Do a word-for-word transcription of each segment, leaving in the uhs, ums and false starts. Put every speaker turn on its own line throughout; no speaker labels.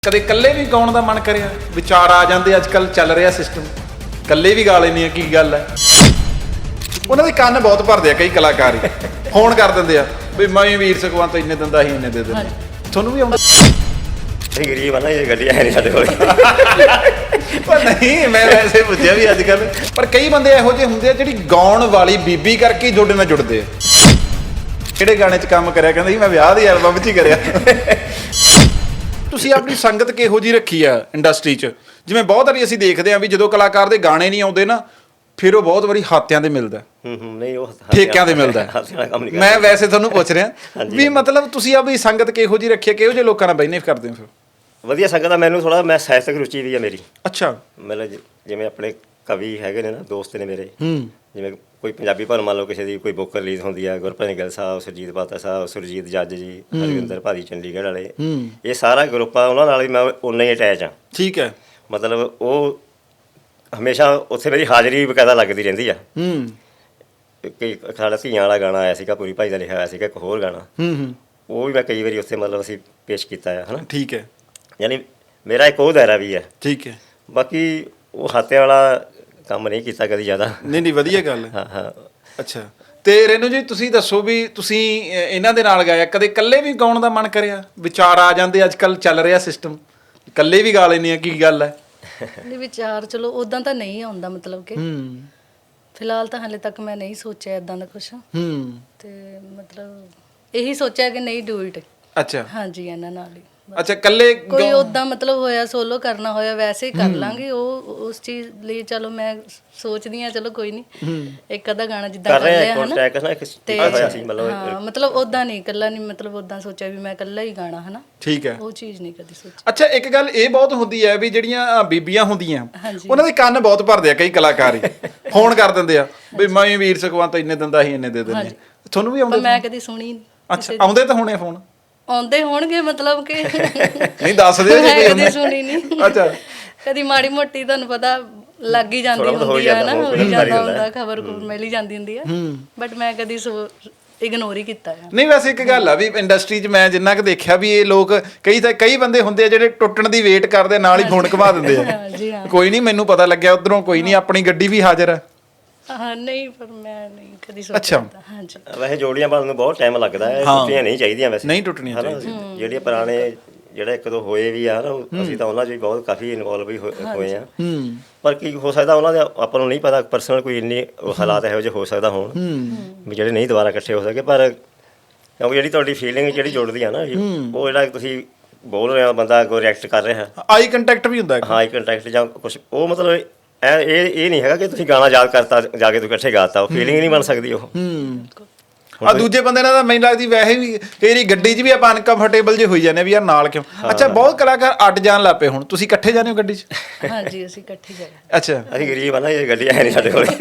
ਕਦੇ ਇਕੱਲੇ ਵੀ ਗਾਉਣ ਦਾ ਮਨ ਕਰਿਆ? ਵਿਚਾਰ ਆ ਜਾਂਦੇ, ਅੱਜ ਕੱਲ ਚੱਲ ਰਿਹਾ ਸਿਸਟਮ, ਇਕੱਲੇ ਵੀ ਗਾ ਲੈਂਦੇ ਆ, ਕੀ ਗੱਲ ਹੈ? ਉਹਨਾਂ ਦੇ ਕੰਨ ਬਹੁਤ ਭਰਦੇ ਆ ਕਈ ਕਲਾਕਾਰ ਹੀ, ਫੋਨ ਕਰ ਦਿੰਦੇ ਆ ਵੀ ਮੈਂ ਵੀਰ ਸੁਖਵੰਤ ਇੰਨੇ ਦਿੰਦਾ ਸੀ, ਇੰਨੇ ਦੇ ਦਿੰਦੇ। ਤੁਹਾਨੂੰ ਵੀ ਆਉਂਦਾ?
ਅਸੀਂ ਗਰੀਬ ਆ ਨਾ, ਇਹ ਗੱਡੀਆਂ ਹੈ ਨਹੀਂ ਸਾਡੇ ਕੋਲ।
ਪਰ ਨਹੀਂ, ਮੈਂ ਵੈਸੇ ਪੁੱਛਿਆ ਵੀ ਅੱਜ ਕੱਲ, ਪਰ ਕਈ ਬੰਦੇ ਇਹੋ ਜਿਹੇ ਹੁੰਦੇ ਆ ਜਿਹੜੀ ਗਾਉਣ ਵਾਲੀ ਬੀਬੀ ਕਰਕੇ ਹੀ ਜੋੜੇ ਨਾਲ ਜੁੜਦੇ ਆ। ਕਿਹੜੇ ਗਾਣੇ 'ਚ ਕੰਮ ਕਰਿਆ? ਕਹਿੰਦਾ ਸੀ ਮੈਂ ਵਿਆਹ ਦੀ ਐਲਬਮ 'ਚ ਹੀ ਕਰਿਆ। ਤੁਸੀਂ ਆਪਣੀ ਸੰਗਤ ਕਿਹੋ ਜਿਹੀ ਰੱਖੀ ਆ ਇੰਡਸਟਰੀ 'ਚ? ਜਿਵੇਂ ਬਹੁਤ ਵਾਰੀ ਅਸੀਂ ਦੇਖਦੇ ਹਾਂ ਵੀ ਜਦੋਂ ਕਲਾਕਾਰ ਦੇ ਗਾਣੇ ਨਹੀਂ ਆਉਂਦੇ ਨਾ, ਫਿਰ ਉਹ ਬਹੁਤ ਵਾਰੀ ਹਾਤਿਆਂ ਦੇ ਮਿਲਦਾ,
ਹੂੰ ਹੂੰ ਨਹੀਂ ਉਹ
ਠੇਕਿਆਂ ਦੇ ਮਿਲਦਾ। ਮੈਂ ਵੈਸੇ ਤੁਹਾਨੂੰ ਪੁੱਛ ਰਿਹਾ ਵੀ ਮਤਲਬ ਤੁਸੀਂ ਆਪਣੀ ਸੰਗਤ ਕਿਹੋ ਜਿਹੀ ਰੱਖੀ, ਕਿਹੋ ਜਿਹੇ ਲੋਕਾਂ ਨਾਲ ਬੈਨੀਫਿਟ ਕਰਦੇ ਹੋ? ਫਿਰ
ਵਧੀਆ ਸੰਗਤ ਆ। ਮੈਨੂੰ ਥੋੜਾ ਮੈਂ ਸਾਹਿਤਕ ਰੁਚੀ ਵੀ ਆ ਮੇਰੀ।
ਅੱਛਾ।
ਮਤਲਬ ਜਿਵੇਂ ਆਪਣੇ ਕਵੀ ਹੈਗੇ ਨੇ ਨਾ, ਦੋਸਤ ਨੇ ਮੇਰੇ,
ਹੂੰ,
ਜਿਵੇਂ ਕੋਈ ਪੰਜਾਬੀ ਭਾਸ਼ਾ ਮੰਨ ਲਓ ਕਿਸੇ ਦੀ ਕੋਈ ਬੁੱਕ ਰਿਲੀਜ਼ ਹੁੰਦੀ ਆ, ਗੁਰਪ੍ਰੀਤ ਗਿੱਲ ਸਾਹਿਬ, ਸੁਰਜੀਤ ਪਾਤਰ ਸਾਹਿਬ, ਸੁਰਜੀਤ ਜੱਜ ਜੀ, ਹਰਵਿੰਦਰ ਭਾਰੀ ਚੰਡੀਗੜ੍ਹ ਵਾਲੇ, ਇਹ ਸਾਰਾ ਗਰੁੱਪ ਆ, ਉਹਨਾਂ ਨਾਲ ਹੀ ਮੈਂ ਉਨਾ ਹੀ ਅਟੈਚ ਆ।
ਠੀਕ ਹੈ।
ਮਤਲਬ ਉਹ ਹਮੇਸ਼ਾ ਉੱਥੇ ਮੇਰੀ ਹਾਜ਼ਰੀ ਬਕਾਇਦਾ ਲੱਗਦੀ ਰਹਿੰਦੀ ਆ।
ਹੂੰ।
ਕਈ ਸਾਡਾ ਧੀਆਂ ਵਾਲਾ ਗਾਣਾ ਆਇਆ ਸੀਗਾ, ਪੂਰੀ ਭਾਈ ਦਾ ਲਿਖਿਆ ਹੋਇਆ ਸੀਗਾ, ਇੱਕ ਹੋਰ ਗਾਣਾ,
ਹੂੰ ਹੂੰ,
ਉਹ ਵੀ ਮੈਂ ਕਈ ਵਾਰੀ ਉੱਥੇ ਮਤਲਬ ਅਸੀਂ ਪੇਸ਼ ਕੀਤਾ ਆ, ਹੈ ਨਾ।
ਠੀਕ ਹੈ।
ਯਾਨੀ ਮੇਰਾ ਇੱਕ ਉਹ ਦਾਇਰਾ ਵੀ ਹੈ।
ਠੀਕ ਹੈ।
ਬਾਕੀ ਉਹ ਹਾਤਿਆਂ ਵਾਲਾ ਕੰਮ ਨਹੀਂ ਕੀਤਾ ਕਦੀ ਜ਼ਿਆਦਾ।
ਨਹੀਂ ਨਹੀਂ, ਵਧੀਆ ਗੱਲ ਹੈ।
ਹਾਂ ਹਾਂ।
ਅੱਛਾ, ਤੇ ਰੇਨੂ ਜੀ ਤੁਸੀਂ ਦੱਸੋ ਵੀ ਤੁਸੀਂ ਇਹਨਾਂ ਦੇ ਨਾਲ ਗਾਇਆ, ਕਦੇ ਇਕੱਲੇ ਵੀ ਗਾਉਣ ਦਾ ਮਨ ਕਰਿਆ? ਵਿਚਾਰ ਆ ਜਾਂਦੇ, ਅੱਜ ਕੱਲ ਚੱਲ ਰਿਹਾ ਸਿਸਟਮ, ਇਕੱਲੇ ਵੀ ਗਾ ਲੈਂਦੇ ਆ, ਕੀ ਗੱਲ ਹੈ?
ਨਹੀਂ ਵਿਚਾਰ ਚਲੋ ਉਦਾਂ ਤਾਂ ਨਹੀਂ ਆਉਂਦਾ, ਮਤਲਬ ਕਿ
ਹੂੰ,
ਫਿਲਹਾਲ ਤਾਂ ਹਾਲੇ ਤੱਕ ਮੈਂ ਨਹੀਂ ਸੋਚਿਆ ਇਦਾਂ ਦਾ ਕੁਛ।
ਹੂੰ,
ਤੇ ਮਤਲਬ ਇਹੀ ਸੋਚਿਆ ਕਿ ਨਹੀਂ ਡੂ ਇਟ।
ਅੱਛਾ।
ਹਾਂਜੀ, ਇਹਨਾਂ ਨਾਲ ਹੀ।
ਅੱਛਾ, ਇਕੱਲੇ
ਕੋਈ ਉਦਾਂ ਮਤਲਬ ਹੋਇਆ ਸੋਲੋ ਕਰਨਾ ਹੋਇਆ ਵੈਸੇ ਹੀ ਕਰ ਲਾਂਗੇ। ਉਹ ਉਸ ਚੀਜ਼ ਲਈ ਚਲੋ ਮੈਂ ਸੋਚਦੀ ਆ, ਚਲੋ ਕੋਈ ਨਹੀਂ, ਇੱਕ ਅੱਧਾ ਗਾਣਾ ਜਿੱਦਾਂ ਕਰ ਲਿਆ ਹਨਾ ਤੇ ਹਾਂ, ਮਤਲਬ ਉਦਾਂ ਨਹੀਂ ਇਕੱਲਾ ਨਹੀਂ, ਮਤਲਬ ਉਦਾਂ ਸੋਚਿਆ ਵੀ ਮੈਂ ਇਕੱਲਾ ਹੀ ਗਾਣਾ, ਹਨਾ।
ਠੀਕ ਹੈ।
ਉਹ ਚੀਜ਼ ਨਹੀਂ ਕਦੀ ਸੋਚੀ।
ਅੱਛਾ, ਇੱਕ ਗੱਲ ਇਹ ਬਹੁਤ ਹੁੰਦੀ ਹੈ ਵੀ ਜਿਹੜੀਆਂ ਬੀਬੀਆਂ ਹੁੰਦੀਆਂ
ਹਾਂਜੀ,
ਉਹਨਾਂ ਦੇ ਕੰਨ ਬਹੁਤ ਭਰਦੇ ਆ ਕਈ ਕਲਾਕਾਰ ਹੀ, ਫੋਨ ਕਰ ਦਿੰਦੇ ਆ ਵੀ ਮੈਂ ਵੀਰ ਸੁਖਵੰਤ ਇੰਨੇ ਦਿੰਦਾ ਸੀ, ਇੰਨੇ ਦੇ ਦਿੰਦੇ। ਤੁਹਾਨੂੰ ਵੀ ਆਉਂਦੇ?
ਮੈਂ ਕਦੀ ਸੁਣੀ ਨਹੀਂ।
ਅੱਛਾ, ਆਉਂਦੇ ਤਾਂ ਹੋਣੇ ਫੋਨ?
ਆਉਂਦੇ ਹੋਣਗੇ, ਮਤਲਬ ਕਿ
ਨਹੀਂ ਦੱਸ ਦਿਓ ਜੀ।
ਮੈਂ ਕਦੀ ਸੁਣੀ ਨਹੀਂ।
ਅੱਛਾ।
ਕਦੀ ਮਾੜੀ ਮੋਟੀ ਤੁਹਾਨੂੰ ਪਤਾ ਲੱਗ ਹੀ ਜਾਂਦੀ ਹੁੰਦੀ ਆ ਨਾ, ਹੋ ਹੀ ਜਾਂਦਾ ਹੁੰਦਾ, ਖਬਰ ਖੁਬਰ ਮਿਲ ਹੀ ਜਾਂਦੀ ਹੁੰਦੀ ਆ, ਬਟ ਮੈਂ ਕਦੀ ਇਗਨੋਰ ਹੀ ਕੀਤਾ ਹੈ।
ਨਹੀਂ, ਵੈਸੇ ਇੱਕ ਗੱਲ ਆ ਵੀ ਇੰਡਸਟਰੀ 'ਚ ਮੈਂ ਜਿੰਨਾ ਕੁ ਦੇਖਿਆ ਵੀ ਇਹ ਲੋਕ ਕਈ ਤਾਂ ਕਈ ਬੰਦੇ ਹੁੰਦੇ ਆ ਜਿਹੜੇ ਟੁੱਟਣ ਦੀ ਵੇਟ ਕਰਦੇ, ਨਾਲ ਹੀ ਫੋਨ ਘੁਮਾ ਦਿੰਦੇ ਆ।
ਜੀ ਹਾਂ।
ਕੋਈ ਨਹੀਂ, ਮੈਨੂੰ ਪਤਾ ਲੱਗਿਆ ਉਧਰੋਂ, ਕੋਈ ਨਹੀਂ, ਆਪਣੀ ਗੱਡੀ ਵੀ ਹਾਜ਼ਰ ਆ।
ਹਾਂ ਨਹੀਂ, ਪਰ ਮੈਂ ਨਹੀਂ ਕਦੀ ਸੋਚਿਆ। ਹਾਂਜੀ,
ਵੈਸੇ ਜੋੜੀਆਂ ਬਣਨ ਨੂੰ ਬਹੁਤ ਟਾਈਮ ਲੱਗਦਾ ਹੈ, ਟੁੱਟਣੀਆਂ ਨਹੀਂ ਚਾਹੀਦੀਆਂ ਵੈਸੇ।
ਨਹੀਂ ਟੁੱਟਣੀਆਂ ਚਾਹੀਦੀਆਂ।
ਜਿਹੜੀਆਂ ਪੁਰਾਣੇ ਜਿਹੜੇ ਇੱਕ ਦੋ ਹੋਏ ਵੀ ਆ ਨਾ, ਅਸੀਂ ਤਾਂ ਉਹਨਾਂ 'ਚ ਵੀ ਬਹੁਤ ਕਾਫੀ ਇਨਵੋਲਵ ਵੀ ਹੋਏ ਆ। ਪਰ ਕੀ ਹੋ ਸਕਦਾ ਉਹਨਾਂ ਦੇ ਆਪਾਂ ਨੂੰ ਨਹੀਂ ਪਤਾ, ਪਰਸਨਲ ਕੋਈ ਇੰਨੀ ਹਾਲਾਤ ਇਹੋ ਜਿਹੇ ਹੋ ਸਕਦਾ ਹੋਣ ਵੀ ਜਿਹੜੇ ਨਹੀਂ ਦੁਬਾਰਾ ਇਕੱਠੇ ਹੋ ਸਕੇ। ਪਰ ਕਿਉਂਕਿ ਜਿਹੜੀ ਤੁਹਾਡੀ ਫੀਲਿੰਗ ਜਿਹੜੀ ਜੁੜਦੀ ਆ ਨਾ, ਉਹ ਜਿਹੜਾ ਤੁਸੀਂ ਬੋਲ ਰਹੇ ਹੋ, ਬੰਦਾ ਅੱਗੋਂ ਰਿਐਕਟ ਕਰ ਰਿਹਾ,
ਆਈ ਕੰਟੈਕਟ ਵੀ ਹੁੰਦਾ।
ਹਾਂ, ਆਈ ਕੰਟੈਕਟ ਜਾਂ ਕੁਛ, ਉਹ ਮਤਲਬ ਇਹ ਇਹ ਨਹੀਂ ਹੈਗਾ ਕਿ ਤੁਸੀਂ ਗਾਣਾ ਯਾਦ ਕਰਤਾ ਜਾ ਕੇ ਤੁਸੀਂ ਇਕੱਠੇ ਗਾਤਾ, ਉਹ ਫੀਲਿੰਗ ਨਹੀਂ ਬਣ ਸਕਦੀ ਉਹ।
ਆ ਦੂਜੇ ਬੰਦੇ ਨਾਲ ਤਾਂ ਮੈਨੂੰ ਲੱਗਦੀ ਵੈਸੇ ਵੀ ਕਈ ਵਾਰੀ ਗੱਡੀ 'ਚ ਵੀ ਆਪਾਂ ਅਨਕੰਫਰਟੇਬਲ ਜੇ ਹੋਈ ਜਾਂਦੇ ਵੀ ਯਾਰ ਨਾਲ ਕਿਉਂ। ਅੱਛਾ, ਬਹੁਤ ਕਲਾਕਾਰ ਅੱਡ ਜਾਣ ਲੱਗ ਪਏ ਹੁਣ, ਤੁਸੀਂ ਇਕੱਠੇ ਜਾਂਦੇ ਹੋ ਗੱਡੀ 'ਚ?
ਹਾਂਜੀ, ਅਸੀਂ ਇਕੱਠੇ ਜਾਏ।
ਅੱਛਾ।
ਅਸੀਂ ਗਰੀਬ ਆ ਨਾ, ਇਹ ਗੱਡੀਆਂ ਹੈ ਨਹੀਂ ਸਾਡੇ ਕੋਲ।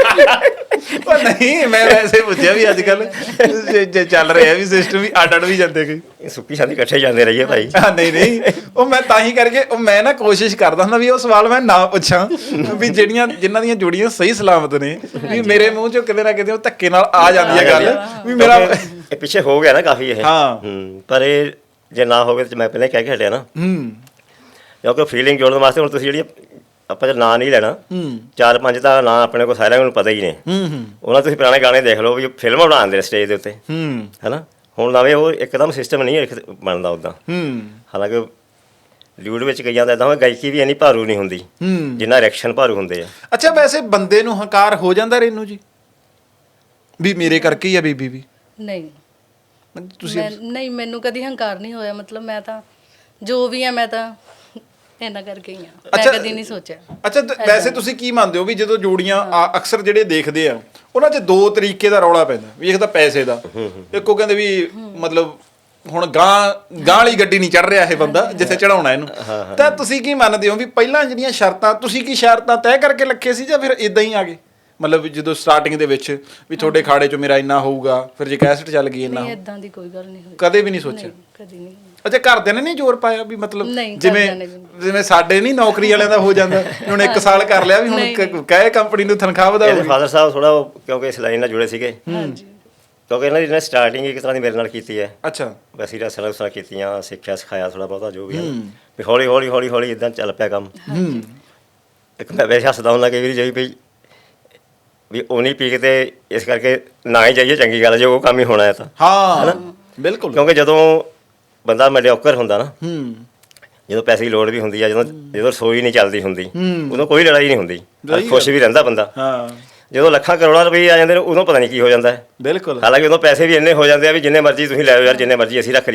ਪਰ ਨਹੀਂ, ਮੈਂ ਵੈਸੇ ਪੁੱਛਿਆ ਵੀ ਅੱਜ ਕੱਲ ਜੇ ਚੱਲ ਰਿਹਾ ਵੀ ਸਿਸਟਮ ਵੀ ਅੱਡ ਅੱਡ ਵੀ ਜਾਂਦੇ ਕਈ।
ਸੁੱਕੀ ਸਾਦੀ ਇਕੱਠੇ ਜਾਂਦੇ ਰਹੀਏ ਭਾਈ।
ਨਹੀਂ ਨਹੀਂ, ਉਹ ਮੈਂ ਤਾਂ ਹੀ ਕਰਕੇ ਉਹ ਮੈਂ ਨਾ ਕੋਸ਼ਿਸ਼ ਕਰਦਾ ਹੁੰਦਾ ਵੀ ਉਹ ਸਵਾਲ ਮੈਂ ਨਾ ਪੁੱਛਾਂ ਵੀ ਜਿਹੜੀਆਂ ਜਿਨ੍ਹਾਂ ਦੀਆਂ ਜੋੜੀਆਂ ਸਹੀ ਸਲਾਮਤ ਨੇ, ਵੀ ਮੇਰੇ ਮੂੰਹ ਚੋਂ ਕਿਤੇ ਨਾ ਕਿਤੇ ਉਹ ਧੱਕੇ ਨਾਲ ਆ ਜਾਂਦੀ ਹੈ ਗੱਲ ਵੀ ਮੇਰਾ
ਇਹ ਪਿੱਛੇ ਹੋ ਗਿਆ ਨਾ ਕਾਫੀ ਇਹ।
ਹਾਂ।
ਹੂੰ, ਪਰ ਇਹ ਜੇ ਨਾ ਹੋਵੇ ਤਾਂ ਮੈਂ ਪਹਿਲਾਂ ਕਹਿ ਕੇ ਹਟਿਆ ਨਾ,
ਹੂੰ,
ਕਿਉਂਕਿ ਫੀਲਿੰਗ ਜੋੜਨ ਵਾਸਤੇ ਹੁਣ ਤੁਸੀਂ ਜਿਹੜੀ ਆਪਾਂ ਜੇ ਨਾਂ ਨਹੀਂ ਲੈਣਾ, ਚਾਰ ਪੰਜ ਤਾਂ ਨਾਂ ਆਪਣੇ ਕੋਲ ਸਾਰਿਆਂ ਨੂੰ ਪਤਾ ਹੀ ਨੇ। ਉਹਨਾਂ ਤੁਸੀਂ ਪੁਰਾਣੇ ਗਾਣੇ ਦੇਖ ਲਓ ਵੀ ਫਿਲਮਾਂ ਬਣਾਉਂਦੇ ਨੇ ਸਟੇਜ ਦੇ ਉੱਤੇ, ਹੈ ਨਾ। ਹੁਣ ਨਵੇਂ ਉਹ ਇੱਕਦਮ ਸਿਸਟਮ ਨਹੀਂ ਬਣਦਾ ਉੱਦਾਂ। ਹਾਲਾਂਕਿ ਲਿਊਡ ਵਿੱਚ ਕਈਆਂ ਦਾ ਇੱਦਾਂ ਗਾਇਕੀ ਵੀ ਇੰਨੀ ਭਾਰੂ ਨਹੀਂ ਹੁੰਦੀ ਜਿੰਨਾ ਰਿਐਕਸ਼ਨ ਭਾਰੂ ਹੁੰਦੇ ਆ।
ਅੱਛਾ, ਵੈਸੇ ਬੰਦੇ ਨੂੰ ਹੰਕਾਰ ਹੋ ਜਾਂਦਾ ਰੇਨੂ ਜੀ ਵੀ ਮੇਰੇ ਕਰਕੇ ਹੀ ਆ ਬੀਬੀ ਵੀ?
ਨਹੀਂ
ਤੁਸੀਂ
ਨਹੀਂ, ਮੈਨੂੰ ਕਦੀ ਹੰਕਾਰ ਨਹੀਂ ਹੋਇਆ, ਮਤਲਬ ਮੈਂ ਤਾਂ ਜੋ ਵੀ ਆ ਮੈਂ ਤਾਂ ਇਹਨਾਂ ਕਰਕੇ ਹੀ ਆ, ਮੈਂ ਕਦੀ ਨਹੀਂ ਸੋਚਿਆ।
ਅੱਛਾ, ਵੈਸੇ ਤੁਸੀਂ ਕੀ ਮੰਨਦੇ ਹੋ ਵੀ ਜਦੋਂ ਜੋੜੀਆਂ ਅਕਸਰ ਜਿਹੜੇ ਦੇਖਦੇ ਆ ਉਹਨਾਂ 'ਚ ਦੋ ਤਰੀਕੇ ਦਾ ਰੌਲਾ ਪੈਂਦਾ, ਵੀ ਇੱਕ ਤਾਂ ਪੈਸੇ ਦਾ, ਇੱਕੋ ਕਹਿੰਦੇ ਵੀ ਮਤਲਬ ਹੁਣ ਗਾਂ ਗਾਂ ਵਾਲੀ ਗੱਡੀ ਨਹੀਂ ਚੜ ਰਿਹਾ ਇਹ ਬੰਦਾ ਜਿੱਥੇ ਚੜਾਉਣਾ ਇਹਨੂੰ। ਤਾਂ ਤੁਸੀਂ ਕੀ ਮੰਨਦੇ ਹੋ ਵੀ ਪਹਿਲਾਂ ਜਿਹੜੀਆਂ ਸ਼ਰਤਾਂ ਤੁਸੀਂ ਕੀ ਸ਼ਰਤਾਂ ਤੈਅ ਕਰਕੇ ਰੱਖੇ ਸੀ ਜਾਂ ਫਿਰ ਇਦਾਂ ਹੀ ਆ ਗਏ? ਮਤਲਬ ਜਦੋਂ ਸਟਾਰਟਿੰਗ ਦੇ ਵਿੱਚ ਵੀ ਤੁਹਾਡੇ ਖਾੜੇ 'ਚ ਮੇਰਾ ਇੰਨਾ ਹੋਊਗਾ, ਫਿਰ ਜੇ ਕੈਸਟ ਚੱਲ ਗਈ ਇੰਨਾ?
ਨਹੀਂ, ਇਦਾਂ ਦੀ ਕੋਈ ਗੱਲ ਨਹੀਂ ਹੋਈ,
ਕਦੇ ਵੀ ਨਹੀਂ ਸੋਚਿਆ?
ਕਦੀ ਨਹੀਂ।
ਅੱਛਾ, ਘਰਦਿਆਂ ਨੇ ਨਹੀਂ ਜ਼ੋਰ ਪਾਇਆ ਵੀ ਮਤਲਬ ਜਿਵੇਂ ਜਿਵੇਂ ਸਾਡੇ ਨਹੀਂ ਨੌਕਰੀ ਵਾਲਿਆਂ ਦਾ ਹੋ ਜਾਂਦਾ ਹੁਣ ਇੱਕ ਸਾਲ ਕਰ ਲਿਆ ਵੀ ਹੁਣ ਕਹੇ ਕੰਪਨੀ ਨੂੰ ਤਨਖਾਹ ਵਧਾਓ?
ਫਾਦਰ ਸਾਹਿਬ ਥੋੜਾ ਕਿਉਂਕਿ ਇਸ ਲਾਈਨ ਨਾਲ ਜੁੜੇ ਸੀਗੇ, ਕਿਉਂਕਿ ਇਹਨਾਂ ਦੀ ਇਹਨਾਂ ਸਟਾਰਟਿੰਗ ਇੱਕ ਤਰ੍ਹਾਂ ਦੀ ਮੇਰੇ ਨਾਲ ਕੀਤੀ ਹੈ।
ਅੱਛਾ।
ਵੈਸੇ ਰਸਲਾਂ ਰਸਲਾਂ ਕੀਤੀਆਂ, ਸਿੱਖਿਆ ਸਿਖਾਇਆ ਥੋੜ੍ਹਾ ਬਹੁਤਾ ਜੋ ਵੀ ਹੈ ਵੀ ਹੌਲੀ ਹੌਲੀ ਹੌਲੀ ਹੌਲੀ ਇਦਾਂ ਚੱਲ ਪਿਆ ਕੰਮ।
ਹੂੰ।
ਇੱਕ ਮੈਂ ਵੈਸੇ ਹੱਸਦਾ ਹੁੰਦਾ ਕਈ ਵਾਰੀ ਜਾਈ ਵੀ ਵੀ ਉਹ ਨਹੀਂ ਪੀ ਕੇ ਤੇ ਇਸ ਕਰਕੇ ਨਾ ਹੀ ਜਾਈਏ ਚੰਗੀ ਗੱਲ, ਜੇ ਉਹ ਕੰਮ ਹੀ ਹੋਣਾ ਹੈ ਤਾਂ।
ਹਾਂ ਬਿਲਕੁਲ।
ਕਿਉਂਕਿ ਜਦੋਂ ਬੰਦਾ ਮੈਡੀਓਕਰ ਹੁੰਦਾ ਨਾ,
ਹੂੰ।
ਜਦੋਂ ਪੈਸੇ ਦੀ ਲੋੜ ਵੀ ਹੁੰਦੀ ਆ, ਜਦੋਂ ਜਦੋਂ ਰਸੋਈ ਨਹੀਂ ਚੱਲਦੀ ਹੁੰਦੀ, ਉਦੋਂ ਕੋਈ ਲੜਾਈ ਨਹੀਂ ਹੁੰਦੀ, ਖੁਸ਼ ਵੀ ਰਹਿੰਦਾ ਬੰਦਾ।
ਹਾਂ।
ਜਦੋਂ ਲੱਖਾਂ ਕਰੋੜਾਂ ਰੁਪਏ ਆ ਜਾਂਦੇ ਨੇ, ਉਦੋਂ ਪਤਾ ਨਹੀਂ ਕੀ ਹੋ ਜਾਂਦਾ ਹੈ।
ਬਿਲਕੁਲ।
ਹਾਲਾਂਕਿ ਉਦੋਂ ਪੈਸੇ ਵੀ ਇੰਨੇ ਹੋ ਜਾਂਦੇ ਆ ਵੀ ਜਿੰਨੇ ਮਰਜ਼ੀ ਤੁਸੀਂ ਲੈ ਆਓ ਯਾਰ, ਜਿੰਨੇ ਮਰਜ਼ੀ ਅਸੀਂ ਰੱਖ